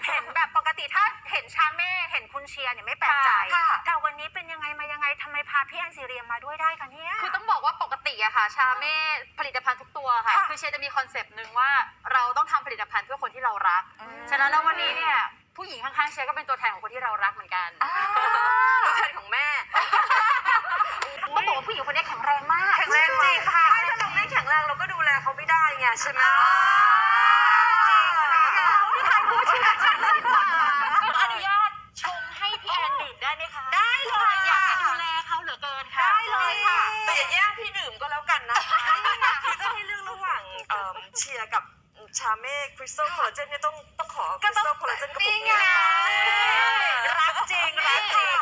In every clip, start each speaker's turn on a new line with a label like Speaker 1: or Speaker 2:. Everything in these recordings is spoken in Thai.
Speaker 1: เห็นแบบปกติถ้าเห็นชาเม่เห็นคุณเชียร์เนี่ยไม่แปลกใจแต่วันนี้เป็นยังไงมายังไงทำไมพาพี่แอนซีเรียมมาด้วยได้คะเนี่ย
Speaker 2: คือต้องบอกว่าปกติอะค่ะชาเม่ผลิตภัณฑ์ทุกตัวค่ะคือเชียร์จะมีคอนเซปต์หนึ่งว่าเราต้องทำผลิตภัณฑ์เพื่อคนที่เรารักฉะนั้นแล้ววันนี้เนี่ยผู้หญิงข้างๆเชียร์ก็เป็นตัวแทนของคนที่เรารักเหมือนกัน
Speaker 3: ตัวแทนของแม่
Speaker 2: ต้องบอกว่าผู้หญิงคนนี้แข็งแรงมาก
Speaker 1: แข็งแรงจริงค่ะ
Speaker 3: ถ้าเราไม่แข็งแรงเราก็ดูแลเขาไม่ได้ไงใช่ไหม
Speaker 1: พี่ไทยพูดชื่อฉันเลยค่ะ
Speaker 2: อนุญาตชงให้พี่แอนดื่มได้ไหมคะ
Speaker 1: ได้เลย
Speaker 2: อยากจะดูแลเขาเหลือเกินค่ะ
Speaker 1: ได้เลยค่ะ
Speaker 3: แต่อย่าแย่งพี่ดื่มก็แล้วกันนะคือถ้าให้เลือกระหว่างเชียร์กับชาเม่คริสตัลคอลลาเจนเนี่ยต้องขอคริสตัลคอลลาเจนกับผมนี่
Speaker 1: รักจริงรักจริง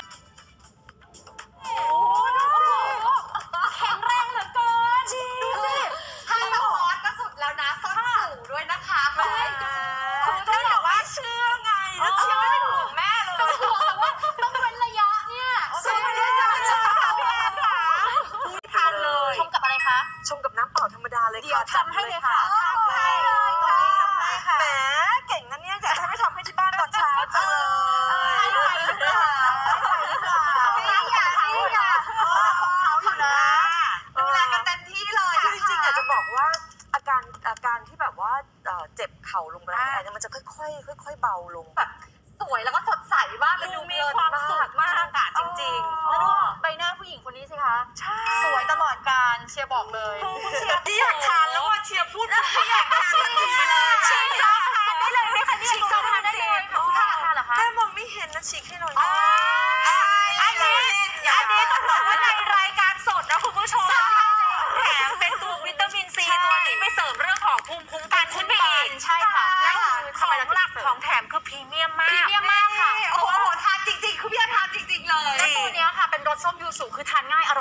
Speaker 2: แข็งแรงเหลือเกิน
Speaker 1: จริง
Speaker 2: ดูสิ
Speaker 1: ไฮโซก็สุดแล้วนะส้นสูงด้วยนะคะ
Speaker 3: คือถ้าบอกว่าเชื่อไงแล้วเชื่อไม่ได้ห่วงแม่เลย
Speaker 2: ต้องห่วงแต่ว่าต้องเว้นระยะเนี่ย
Speaker 3: ใช่ไหมพี่แอนค่ะ
Speaker 1: ทานเลย
Speaker 2: ชงกับอะไรคะ
Speaker 3: ชงกับน้ำเปล่าธรรมดาเลยค่ะ
Speaker 2: เดี๋ยวทำให้เลยค่ะ
Speaker 1: ทำให้เลยตรงนี้ทำให้ค่ะ
Speaker 3: แหมเก่งนะเนี่ยอยากให้ทำให้ที่บ้านตอนเช้าจังเลย
Speaker 1: หรือเปล่าของเขาอยู่นะดูแลกันเต็มที่เลย
Speaker 3: คือจริงๆอยากจะบอกว่าอาการที่แบบว่าเจ็บเข่าลงแรงเนี่ยมันจะค่อยๆเบาลง
Speaker 1: แบบสวยแล้วก็สดใสมากดูมีความสุขมากอะจริงๆ
Speaker 2: แล้วดูใบหน้าผู้หญิงคนนี้สิคะสวยตลอดกาลเชียร์บอกเลย
Speaker 3: คุณเชียร์ที่อยากทานแล้วว่าเชียร์พูดที่อยากทานทันทีเลย
Speaker 1: ชิมซอสทานได้เลยไหมคะเนี่ย
Speaker 2: ชิมซอสทานได้เลยค่ะทานเหรอคะ
Speaker 3: แม่มองไม่เห็นนะฉีกให้หน่อย
Speaker 1: อันนี้ต้องบอกว่าในรายการสดนะคุณผู้ชมแถมเป็นตัววิตามินซีตัวนี้ไปเสริมเรื่องของภูมิคุ้มกันขึ้นไปอีก
Speaker 2: ใช่ค่ะ
Speaker 1: แล้วของหลักของแถมคือพรีเมียมมาก
Speaker 2: ค่ะ
Speaker 1: โอ้โหทานจริงๆคือพี่ทานจริงๆเลย
Speaker 2: แล้วตัวนี้ค่ะเป็นรสส้มยูสุคือทานง่าย